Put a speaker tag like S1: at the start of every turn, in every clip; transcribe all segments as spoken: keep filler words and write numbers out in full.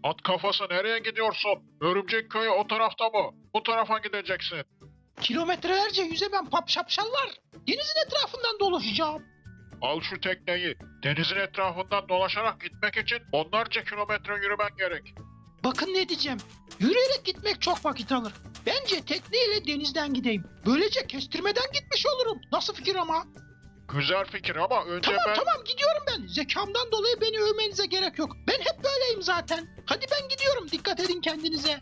S1: At kafası nereye gidiyorsun? Örümcek köyü o tarafta mı? Bu tarafa gideceksin.
S2: Kilometrelerce yüzemem pap şapşallar. Denizin etrafından dolaşacağım.
S1: Al şu tekneyi. Denizin etrafından dolaşarak gitmek için onlarca kilometre yürümen gerek.
S2: Bakın ne diyeceğim. Yürüyerek gitmek çok vakit alır. Bence tekneyle denizden gideyim. Böylece kestirmeden gitmiş olurum. Nasıl fikir ama?
S1: Güzel fikir ama önce
S2: Tamam
S1: ben...
S2: tamam gidiyorum ben. Zekamdan dolayı beni övmenize gerek yok. Ben hep böyleyim zaten. Hadi ben gidiyorum. Dikkat edin kendinize.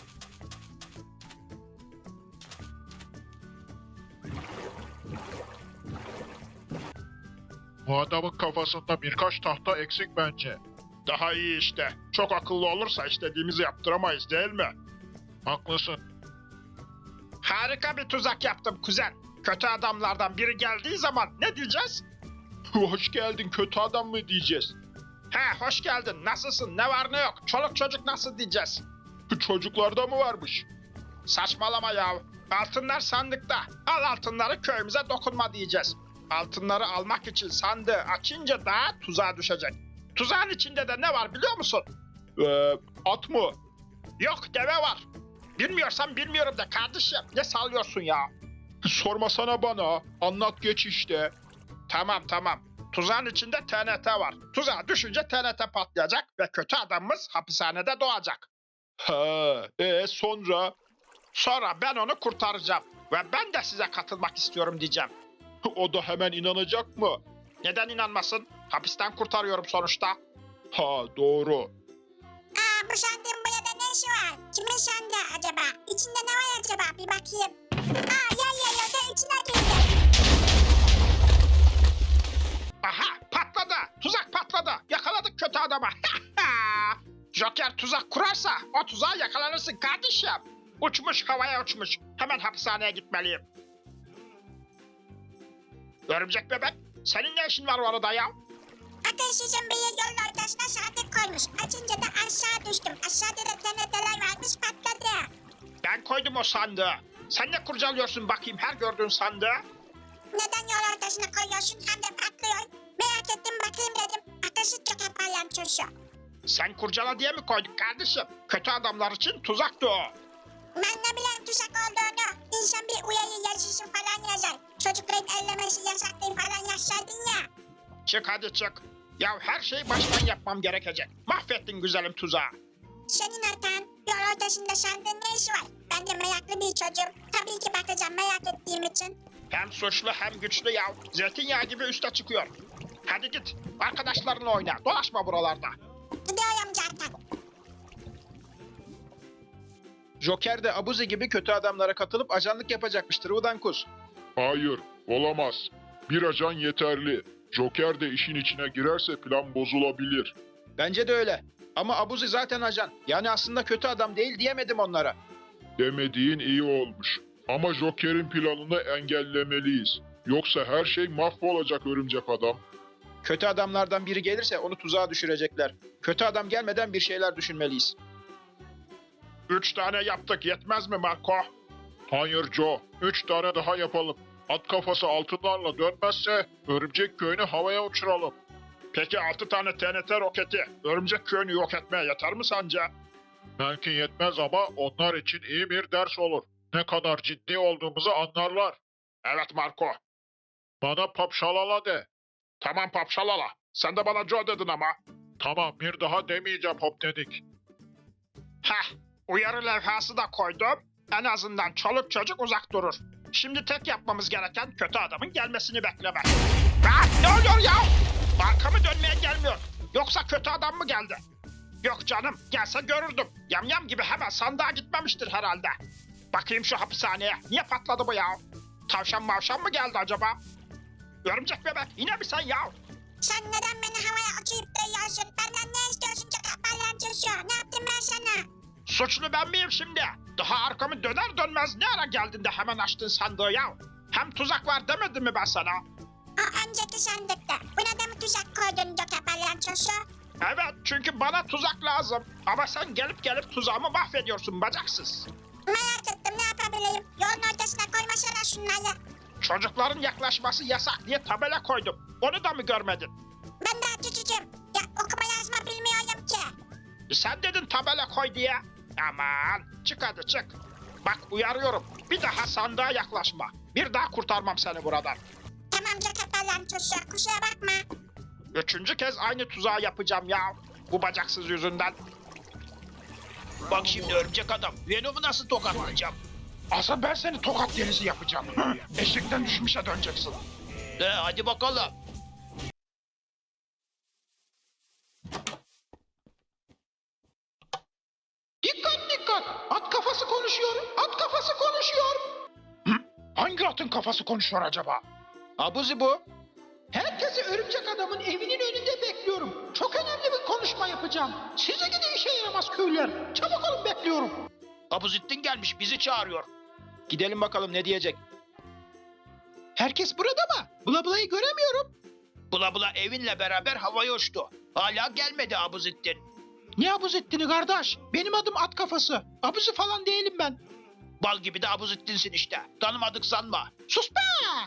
S1: Bu adamın kafasında birkaç tahta eksik bence.
S3: Daha iyi işte. Çok akıllı olursa istediğimizi yaptıramayız değil mi?
S1: Haklısın.
S3: Harika bir tuzak yaptım kuzen. Kötü adamlardan biri geldiği zaman ne diyeceğiz?
S1: Hoş geldin kötü adam mı diyeceğiz?
S3: He hoş geldin. Nasılsın? Ne var ne yok? Çoluk çocuk nasıl diyeceğiz?
S1: Çocuklarda mı varmış?
S3: Saçmalama ya. Altınlar sandıkta. Al altınları köyümüze dokunma diyeceğiz. Altınları almak için sandığı açınca da tuzağa düşecek. Tuzağın içinde de ne var biliyor musun?
S1: Ee, at mı?
S3: Yok deve var. Bilmiyorsan bilmiyorum de kardeşim. Ne sallıyorsun ya?
S1: Sormasana bana. Anlat geç işte.
S3: Tamam tamam. Tuzağın içinde T N T var. Tuzağa düşünce T N T patlayacak ve kötü adamımız hapishanede doğacak.
S1: Ha, e sonra?
S3: Sonra ben onu kurtaracağım. Ve ben de size katılmak istiyorum diyeceğim.
S1: O da hemen inanacak mı?
S3: Neden inanmasın? Hapisten kurtarıyorum sonuçta.
S1: Ha, doğru.
S4: Aa, bu sandığın burada ne işi var? Kimin sandığı acaba? İçinde ne var acaba? Bir bakayım. Aa, yer yer da içine girdi.
S3: Aha patladı. Tuzak patladı. Yakaladık kötü adamı. Joker tuzak kurarsa o tuzağa yakalanırsın kardeşim. Uçmuş havaya uçmuş. Hemen hapishaneye gitmeliyim. Örümcek bebek senin ne işin var orada ya?
S4: Akılsızın biri yolun ortasına sandık koymuş. Açınca da aşağı düştüm. Aşağıda da T N T'ler varmış patladı.
S3: Ben koydum o sandığı. Sen ne kurcalıyorsun bakayım her gördüğün sandığı?
S4: Neden yol ortasına koyuyorsun hem de patlıyor? Merak ettim bakayım dedim. Akılsız çok yaparlan çocuğu.
S3: Sen kurcala diye mi koyduk kardeşim? Kötü adamlar için tuzaktı o.
S4: Ben ne bileyim tuzak olduğunu. İnsan bir uyarı yazısı falan yazar. Çocukların ellemesi yasaktır falan yazsaydın ya.
S3: Çık hadi çık. Ya her şeyi baştan yapmam gerekecek. Mahvettin güzelim tuzağı.
S4: Senin hatan yol ortasında sandığın ne işi var? Ben de meraklı bir çocuğum. Tabii ki bakacağım merak ettiğim için.
S3: Hem suçlu hem güçlü ya. Zeytinyağı gibi üste çıkıyor. Hadi git. Arkadaşlarınla oyna. Dolaşma buralarda.
S4: Gidiyorum zaten.
S2: Joker de Abuzi gibi kötü adamlara katılıp ajanlık yapacakmıştır Udankus.
S1: Hayır, olamaz. Bir ajan yeterli. Joker de işin içine girerse plan bozulabilir.
S2: Bence de öyle. Ama Abuzi zaten ajan. Yani aslında kötü adam değil diyemedim onlara.
S1: Demediğin iyi olmuş. Ama Joker'in planını engellemeliyiz. Yoksa her şey mahvolacak örümcek adam.
S2: Kötü adamlardan biri gelirse onu tuzağa düşürecekler. Kötü adam gelmeden bir şeyler düşünmeliyiz.
S3: Üç tane yaptık yetmez mi Marco?
S1: Hayır Joe, üç tane daha yapalım. At kafası altınlarla dönmezse örümcek köyünü havaya uçuralım.
S3: Peki altı tane T N T roketi örümcek köyünü yok etmeye yeter mi sence?
S1: Belki yetmez ama onlar için iyi bir ders olur. Ne kadar ciddi olduğumuzu anlarlar.
S3: Evet Marco.
S1: Bana papşalala de.
S3: Tamam papşalala. Sen de bana Joe dedin ama.
S1: Tamam bir daha demeyeceğim hop dedik.
S3: Heh, uyarı levhası da koydum. En azından çoluk çocuk uzak durur. Şimdi tek yapmamız gereken kötü adamın gelmesini beklemek. Ha, ne oluyor ya? Arkamı dönmeye gelmiyor. Yoksa kötü adam mı geldi? Yok canım, gelse görürdüm. Yamyam gibi hemen sandığa gitmemiştir herhalde. Bakayım şu hapishaneye. Niye patladı bu ya? Tavşan mavşan mı geldi acaba? Örümcek bebek, yine mi sen ya?
S4: Sen neden beni havaya uçuyup duruyorsun? Benden ne istiyorsun çok yaparlan çocuğu? Ne yaptım ben sana?
S3: Suçlu ben miyim şimdi? Daha arkamı döner dönmez ne ara geldin de hemen açtın sandığı ya? Hem tuzak var demedim mi ben sana?
S4: O önceki sandıkta. Buna da mı tuzak koydun çok yaparlan çocuğu?
S3: Evet çünkü bana tuzak lazım. Ama sen gelip gelip tuzağımı mahvediyorsun bacaksız.
S4: Merak ettim ne yapabilirim? Yolun ortasına koymasana şunları.
S3: Çocukların yaklaşması yasak diye tabela koydum. Onu da mı görmedin?
S4: Ben daha küçücüğüm. Ya okuma yazma bilmiyorum ki.
S3: Sen dedin tabela koy diye. Aman çık hadi çık. Bak uyarıyorum. Bir daha sandığa yaklaşma. Bir daha kurtarmam seni buradan.
S4: Tamam Joker Palantosu kusura bakma.
S3: Üçüncü kez aynı tuzağı yapacağım ya. Bu bacaksız yüzünden.
S5: Bak şimdi örümcek adam. Venom'u nasıl tokatlayacağım?
S3: Asıl ben seni tokat delisi yapacağım. Eşekten düşmüşe döneceksin.
S5: He, hadi bakalım.
S2: Dikkat dikkat. At kafası konuşuyor. At kafası konuşuyor.
S3: Hangi atın kafası konuşuyor acaba?
S5: Abuzi bu.
S2: Herkesi örümcek adamın evinin önünde bekliyorum. Çok önemli bir konuşma yapacağım. Size gidin işe yaramaz köylüler. Çabuk olun bekliyorum.
S5: Abuzittin gelmiş bizi çağırıyor.
S3: Gidelim bakalım ne diyecek.
S2: Herkes burada mı? Bula Bula'yı göremiyorum.
S5: Bula bula evinle beraber havaya uçtu. Hala gelmedi Abuzittin.
S2: Ne abuz ettiğini kardeş? Benim adım at kafası. Abuzu falan değilim ben.
S5: Bal gibi de Abuzittin'sin işte. Tanımadık sanma.
S2: Sus be!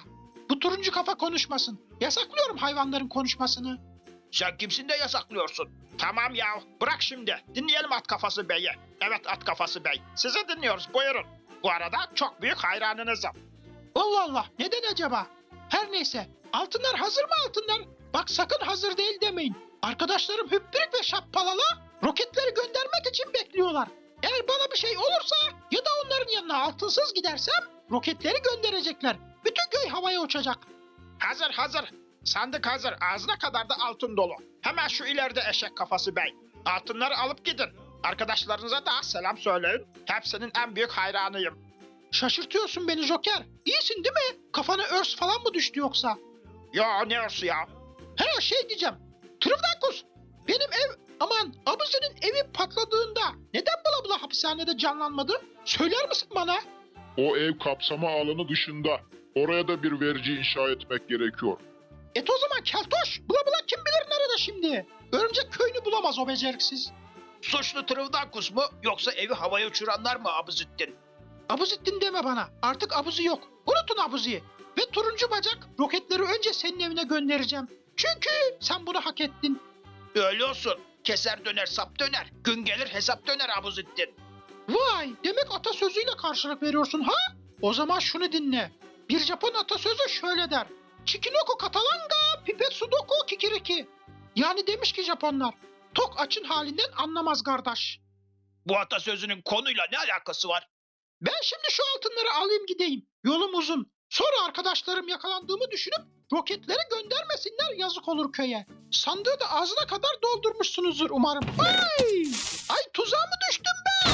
S2: Bu turuncu kafa konuşmasın. Yasaklıyorum hayvanların konuşmasını.
S5: Sen kimsin de yasaklıyorsun?
S3: Tamam ya bırak şimdi. Dinleyelim at kafası beyi. Evet at kafası bey. Sizi dinliyoruz buyurun. Bu arada çok büyük hayranınızım.
S2: Allah Allah, neden acaba? Her neyse, altınlar hazır mı altınlar? Bak sakın hazır değil demeyin. Arkadaşlarım Hüppirik ve Şappalala roketleri göndermek için bekliyorlar. Eğer bana bir şey olursa ya da onların yanına altınsız gidersem roketleri gönderecekler. Bütün köy havaya uçacak.
S3: Hazır hazır. Sandık hazır. Ağzına kadar da altın dolu. Hemen şu ileride eşek kafası bey. Altınları alıp gidin. Arkadaşlarınıza da selam söyleyin. Hepsinin en büyük hayranıyım.
S2: Şaşırtıyorsun beni Joker. İyisin değil mi? Kafana örs falan mı düştü yoksa?
S3: Yo ne olsun ya.
S2: He şey diyeceğim. Trivdakus, benim ev aman Abuzi'nin evi patladığında neden bula bula hapishanede canlanmadı? Söyler misin bana?
S1: O ev kapsama alanı dışında. Oraya da bir verici inşa etmek gerekiyor.
S2: Et o zaman keltoş. Bula bula kim bilir nerede şimdi? Örümcek köyünü bulamaz o beceriksiz.
S5: Suçlu Trivdakus mu yoksa evi havaya uçuranlar mı Abuzittin?
S2: Abuzittin deme bana. Artık Abuzi yok. Unutun Abuzi'yi. Ve turuncu bacak roketleri önce senin evine göndereceğim. Çünkü sen bunu hak ettin.
S5: Öyle olsun. Keser döner sap döner. Gün gelir hesap döner Abuzittin.
S2: Vay, demek atasözüyle karşılık veriyorsun ha? O zaman şunu dinle. Bir Japon atasözü şöyle der. Chikinoko katalanga, pipet sudoku kikiriki. Yani demiş ki Japonlar, tok açın halinden anlamaz kardeş.
S5: Bu atasözünün konuyla ne alakası var?
S2: Ben şimdi şu altınları alayım gideyim. Yolum uzun. Sonra arkadaşlarım yakalandığımı düşünüp roketleri göndermesinler, yazık olur köye. Sandığı da ağzına kadar doldurmuşsunuzdur umarım. Ay! Ay tuzağa mı düştüm be?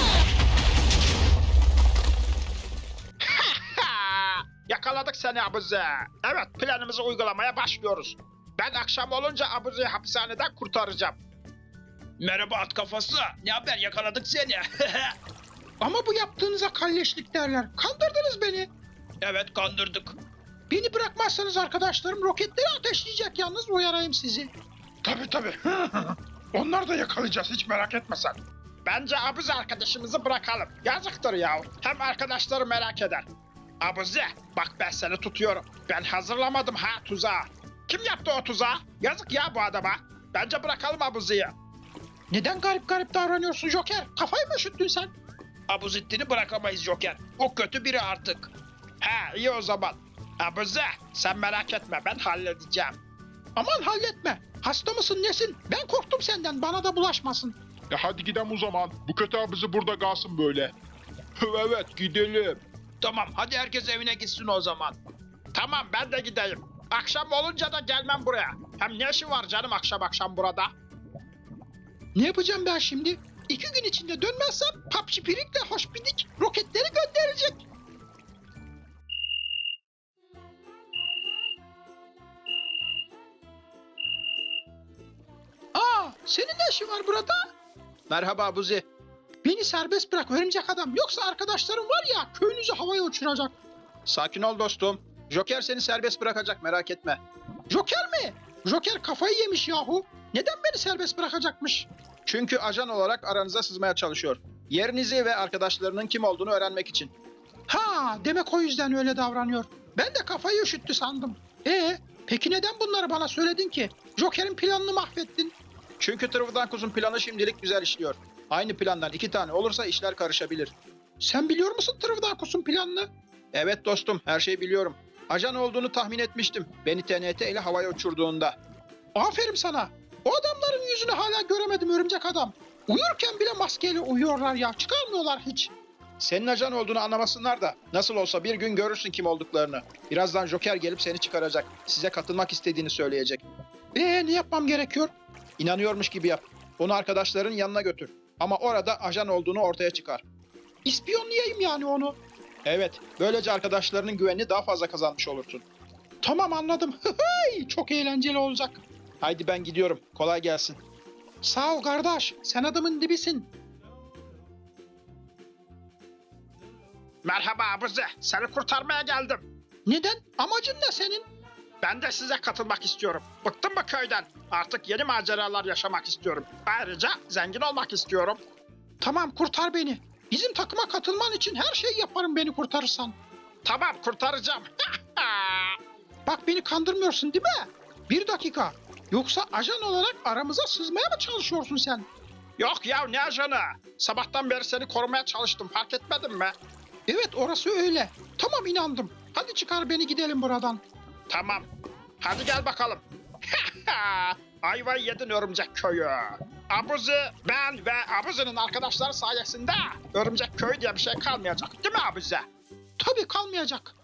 S3: Yakaladık seni Abuzi. Evet planımızı uygulamaya başlıyoruz. Ben akşam olunca Abuzi'yi hapishaneden kurtaracağım.
S5: Merhaba at kafası. Ne haber yakaladık seni.
S2: Ama bu yaptığınıza kalleşlik derler. Kandırdınız beni.
S5: Evet kandırdık.
S2: Beni bırakmazsanız arkadaşlarım roketleri ateşleyecek, yalnız uyarayım sizi.
S3: Tabii tabii. Onları da yakalayacağız hiç merak etme sen. Bence Abuzi arkadaşımızı bırakalım. Yazıktır ya. Hem arkadaşları merak eder. Abuzi bak ben seni tutuyorum. Ben hazırlamadım ha tuzağı. Kim yaptı o tuzağı? Yazık ya bu adama. Bence bırakalım Abuzi'yi.
S2: Neden garip garip davranıyorsun Joker? Kafayı mı üşüttün sen?
S5: Abuzittin'i bırakamayız Joker. O kötü biri artık.
S3: He iyi o zaman. Abuzi sen merak etme ben halledeceğim.
S2: Aman halletme. Hasta mısın nesin? Ben korktum senden, bana da bulaşmasın.
S1: E hadi gidelim o zaman. Bu kötü abizi burada kalsın böyle. Evet gidelim.
S5: Tamam hadi herkes evine gitsin o zaman.
S3: Tamam ben de gideyim. Akşam olunca da gelmem buraya. Hem ne işi var canım akşam akşam burada?
S2: Ne yapacağım ben şimdi? İki gün içinde dönmezsem Papşipirik'le Hoşpidik roketleri gönderecek. Aa, senin ne işin var burada?
S3: Merhaba Abuzi.
S2: Beni serbest bırak örümcek adam. Yoksa arkadaşlarım var ya, köyünüzü havaya uçuracak.
S3: Sakin ol dostum. Joker seni serbest bırakacak merak etme.
S2: Joker mi? Joker kafayı yemiş yahu. Neden beni serbest bırakacakmış?
S3: Çünkü ajan olarak aranıza sızmaya çalışıyor. Yerinizi ve arkadaşlarının kim olduğunu öğrenmek için.
S2: Ha, demek o yüzden öyle davranıyor. Ben de kafayı üşüttü sandım. Ee, peki neden bunları bana söyledin ki? Joker'in planını mahvettin.
S6: Çünkü Trivdankuz'un planı şimdilik güzel işliyor. Aynı plandan iki tane olursa işler karışabilir.
S2: Sen biliyor musun Trivdankus'un planını?
S6: Evet dostum, her şeyi biliyorum. Ajan olduğunu tahmin etmiştim. Beni T N T ile havaya uçurduğunda.
S2: Aferin sana. O adamların yüzünü hala göremedim örümcek adam. Uyurken bile maskeyle uyuyorlar ya. Çıkarmıyorlar hiç.
S6: Senin ajan olduğunu anlamasınlar da nasıl olsa bir gün görürsün kim olduklarını. Birazdan Joker gelip seni çıkaracak. Size katılmak istediğini söyleyecek.
S2: Ee ne yapmam gerekiyor?
S6: İnanıyormuş gibi yap. Onu arkadaşların yanına götür. Ama orada ajan olduğunu ortaya çıkar.
S2: İspiyonlayayım yani onu.
S6: Evet, böylece arkadaşlarının güvenini daha fazla kazanmış olursun.
S2: Tamam anladım. Hıhıy, çok eğlenceli olacak.
S6: Haydi ben gidiyorum. Kolay gelsin.
S2: Sağ ol kardeş. Sen adamın dibisin.
S3: Merhaba abuzi. Seni kurtarmaya geldim.
S2: Neden? Amacın ne senin?
S3: Ben de size katılmak istiyorum. Bıktım bu köyden. Artık yeni maceralar yaşamak istiyorum. Ayrıca zengin olmak istiyorum.
S2: Tamam kurtar beni. Bizim takıma katılman için her şeyi yaparım beni kurtarırsan.
S3: Tamam kurtaracağım.
S2: Bak beni kandırmıyorsun değil mi? Bir dakika. Yoksa ajan olarak aramıza sızmaya mı çalışıyorsun sen?
S3: Yok ya ne ajanı? Sabahtan beri seni korumaya çalıştım. Fark etmedin mi?
S2: Evet orası öyle. Tamam inandım. Hadi çıkar beni gidelim buradan.
S3: Tamam. Hadi gel bakalım. Ayvayı yedin örümcek köyü. Abuzi, ben ve Abuzi'nin arkadaşları sayesinde örümcek köyü diye bir şey kalmayacak. Değil mi Abuzi?
S2: Tabii kalmayacak.